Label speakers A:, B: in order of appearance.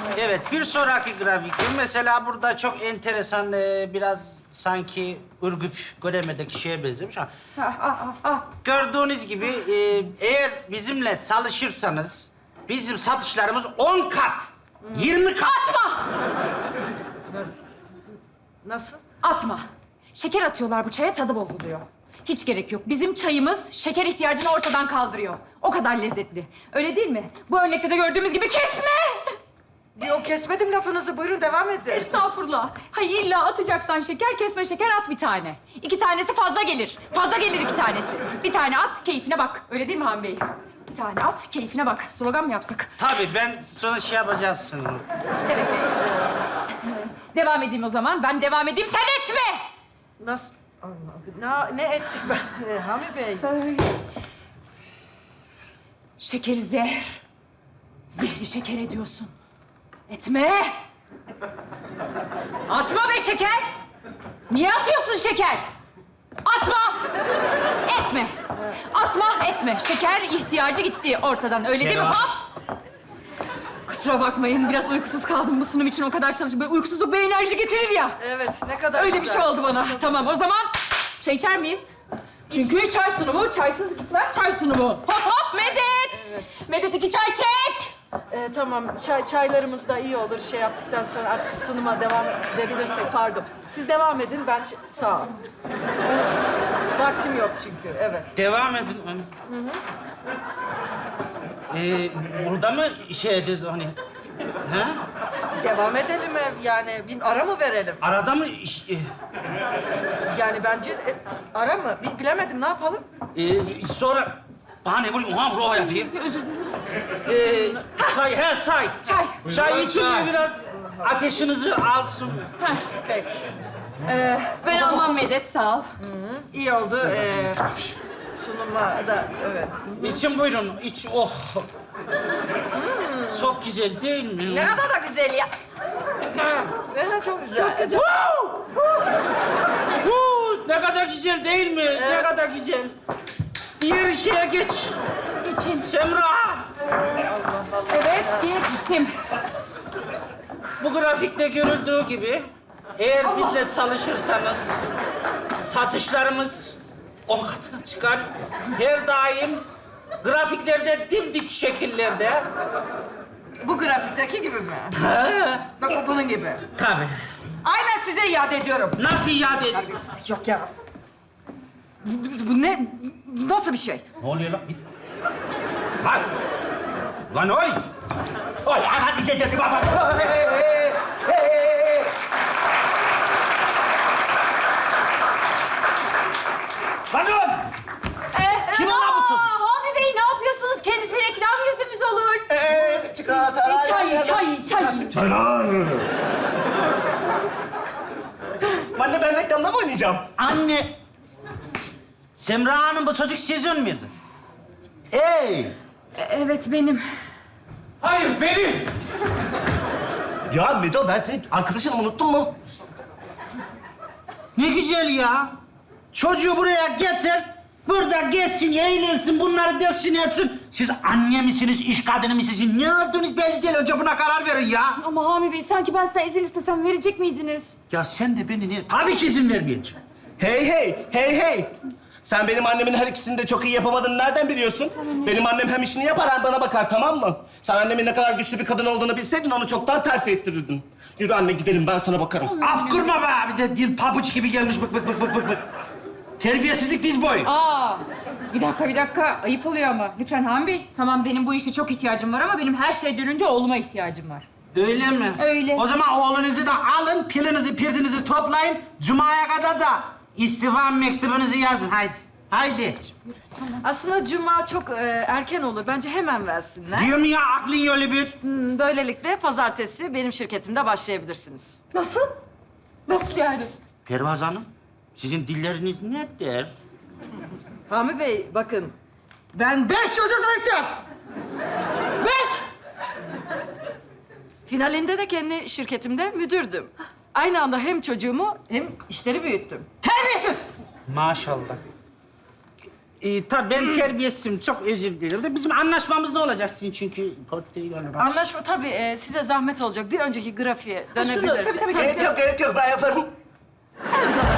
A: Evet, bir sonraki grafikte mesela burada çok enteresan, biraz sanki Ürgüp Göreme'deki şeye benzemiş ama... Gördüğünüz gibi eğer bizimle çalışırsanız bizim satışlarımız 10 kat, 20 kat...
B: Atma!
C: Nasıl?
B: Atma. Şeker atıyorlar bu çaya, tadı bozuluyor. Hiç gerek yok. Bizim çayımız şeker ihtiyacını ortadan kaldırıyor. O kadar lezzetli. Öyle değil mi? Bu örnekte de gördüğümüz gibi kesme!
C: Yok kesmedim lafınızı. Buyurun devam edin.
B: Estağfurullah. Hayır, illa atacaksan şeker, kesme şeker at bir tane. 2 tanesi fazla gelir. Fazla gelir 2 tanesi. Bir tane at, keyfine bak. Öyle değil mi Han Bey? Bir tane at, keyfine bak. Slogan mı yapsak?
A: Tabii ben sonra şey yapacağız.
B: Evet. Devam edeyim o zaman. Ben devam edeyim, sen etme!
C: Nasıl? Allah, ne ettik ben Hami Bey?
B: Şekeri zehir. Zehri şeker ediyorsun. Etme! Atma be şeker! Niye atıyorsun şeker? Atma! Etme! Atma, etme. Şeker ihtiyacı gitti ortadan. Öyle değil mi?
A: Merhaba.
B: Hop! Kusura bakmayın, biraz uykusuz kaldım bu sunum için. O kadar çalıştım. Böyle uykusuzluk bir enerji getirir ya.
C: Evet, ne kadar
B: Öyle
C: güzel.
B: bir şey oldu bana.
C: Çok
B: Tamam, o zaman çay içer miyiz? Çünkü çay sunumu, çaysız gitmez çay sunumu. Hop hop Medet!
C: Evet.
B: Medet 2 çay çek!
C: Tamam, çaylarımız da iyi olur. Şey yaptıktan sonra artık sunuma devam edebilirsek, pardon. Siz devam edin, ben sağ ol. Vaktim yok çünkü, evet.
A: Devam edin. Burada mı şey dedi hani? Ha?
C: Devam edelim yani, bir ara mı verelim?
A: Arada mı
C: Yani bence ara mı? Bilemedim, ne yapalım?
A: sonra bana ne vurayım? Ulan ruh yapayım. Çay, çay.
B: Çay.
A: Çay için mi biraz ateşinizi alsın?
C: Peki,
B: Ben almam Medet, sağ ol.
C: iyi oldu. Sunuma da, evet.
A: İçin buyurun, iç. Oh. Çok güzel değil mi?
C: Ne kadar da güzel ya. Çok güzel. Çok güzel.
A: Ne kadar güzel değil mi? Ne kadar güzel. Diğer şeye geç.
B: Geçin.
A: Semra.
B: Evet, geçtim.
A: Bu grafikte görüldüğü gibi eğer bizle çalışırsanız satışlarımız 10 katına çıkar. Her daim grafiklerde dimdik şekillerde.
C: Bu grafikteki gibi mi? Bak bunun gibi.
A: Tabii.
C: Aynen size iade ediyorum.
A: Nasıl iade edeyim?
C: Terbiyesizlik yok ya. Bu ne? Nasıl bir şey?
A: Ne oluyor lan? Lan! Lan oy! Oy, ana bir de baba! Lan oğlum! Kim lan bu çocuk?
B: Hami Bey, ne yapıyorsunuz? Kendisi reklam yüzümüz olur.
D: Çikolata.
B: Çay.
D: Anne ben reklamda mı oynayacağım?
A: Anne! Semra Hanım, bu çocuk sizin miydi? Hey!
B: Evet, benim.
D: Hayır benim. Ya Medo ben senin arkadaşını unuttun mu?
A: Ne güzel ya! Çocuğu buraya getir, burada gezsin, eğlensin, bunları döksün, etsin. Siz anne misiniz, iş kadını mısınız? Ne yaptınız belli değil. Önce buna karar verin ya.
B: Ama Hami Bey, sanki ben size izin istesem verecek miydiniz?
A: Ya sen de beni niye... Tabii ki izin vermeyeceğim.
D: Hey. Sen benim annemin her ikisini de çok iyi yapamadığını nereden biliyorsun? Benim annem hem işini yapar hem bana bakar, tamam mı? Sen annemin ne kadar güçlü bir kadın olduğunu bilseydin onu çoktan terfi ettirirdin. Yürü anne gidelim, ben sana bakarım.
A: Af kurma be! Bir de dil pabuç gibi gelmiş, bık. Terbiyesizlik diz boyu.
B: Bir dakika. Ayıp oluyor ama. Lütfen Hami Bey. Tamam, benim bu işe çok ihtiyacım var ama benim her şey dönünce oğluma ihtiyacım var.
A: Öyle mi?
B: Öyle.
A: O zaman oğlunuzu da alın, pilinizi, pirdinizi toplayın. Cuma'ya kadar da istifa mektubunuzu yazın. Haydi.
C: Aslında cuma çok erken olur. Bence hemen versinler.
A: Diyorum ya, aklın yolu bir.
C: Böylelikle pazartesi benim şirketimde başlayabilirsiniz.
B: Nasıl? Nasıl yani?
A: Pervaz Hanım, sizin dilleriniz nedir?
C: Hami Bey bakın. Ben 5 çocuk büyüttüm. 5! Finalinde de kendi şirketimde müdürdüm. Aynı anda hem çocuğumu hem işleri büyüttüm. Terbiyesiz!
A: Maşallah. Tabii ben terbiyesizim. Çok özür dilerim. De bizim anlaşmamız ne olacak sizin çünkü portföyü olarak?
E: Anlaşma tabii size zahmet olacak. Bir önceki grafiğe dönebilirsek.
B: tabii.
D: Gerek yok, ben yaparım.
E: En